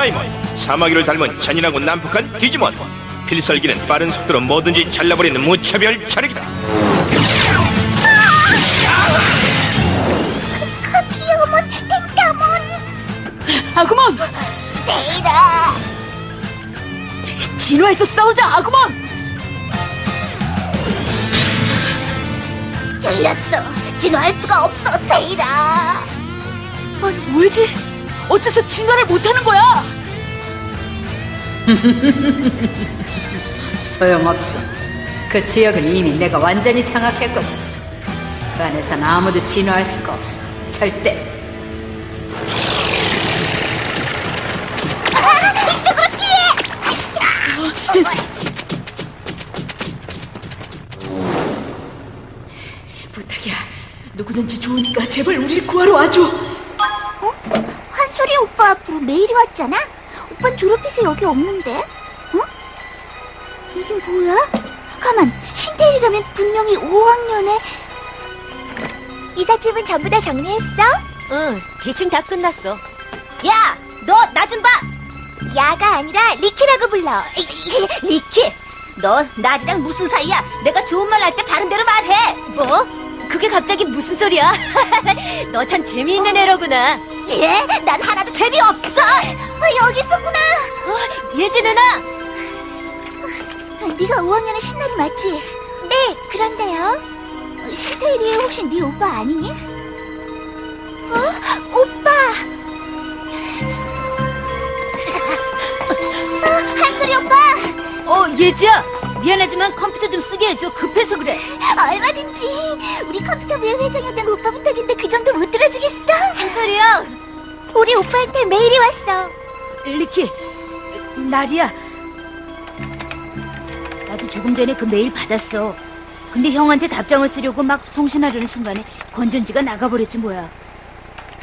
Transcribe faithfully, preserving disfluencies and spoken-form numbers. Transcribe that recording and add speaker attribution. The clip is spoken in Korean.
Speaker 1: 다이몬, 사마귀를 닮은 잔인하고 난폭한 디지몬. 필살기는 빠른 속도로 뭐든지 잘라버리는 무차별 차력이다.
Speaker 2: 그 귀여운 탱타몬.
Speaker 3: 아구몬!
Speaker 2: 데이라.
Speaker 3: 진화해서 싸우자, 아구몬!
Speaker 2: 틀렸어. 진화할 수가 없어, 데이라.
Speaker 3: 아니, 왜지? 어째서 진화를 못하는 거야?
Speaker 4: 소용없어. 그 지역은 이미 내가 완전히 장악했거든. 그 안에선 아무도 진화할 수가 없어. 절대.
Speaker 2: 아, 이쪽으로 피해.
Speaker 3: 부탁이야. 누구든지 좋으니까 제발 우리를 구하러 와줘.
Speaker 2: 어? 한솔이 오빠 앞으로 메일이 왔잖아? 오빤 졸업해서 여기 없는데? 어? 이게 뭐야? 가만, 신데일이라면 분명히 오 학년에... 이삿짐은 전부 다 정리했어?
Speaker 5: 응, 대충 다 끝났어. 야, 너 나 좀 봐.
Speaker 2: 야가 아니라 리키라고 불러.
Speaker 5: 리키, 너 나리랑 무슨 사이야? 내가 좋은 말 할 때 바른 대로 말해. 뭐? 그게 갑자기 무슨 소리야? 너 참 재미있는 애로구나.
Speaker 2: 예? 난 하나도 재미없어. 아, 여기 있었구나.
Speaker 5: 어, 예지 누나.
Speaker 2: 네가 오 학년의 신나리 맞지? 네, 그런데요. 신데일이 혹시 네 오빠 아니니? 어? 오빠. 어, 한솔이 오빠.
Speaker 5: 어, 예지야. 미안하지만 컴퓨터 좀 쓰게 해줘. 급해서 그래.
Speaker 2: 얼마든지. 우리 컴퓨터 부의 회장이었던 오빠 부탁인데 그 정도 못 들어주겠어?
Speaker 5: 한솔이야.
Speaker 2: 우리 오빠한테 메일이 왔어.
Speaker 5: 리키, 나리야. 나도 조금 전에 그 메일 받았어. 근데 형한테 답장을 쓰려고 막 송신하려는 순간에 건전지가 나가버렸지 뭐야.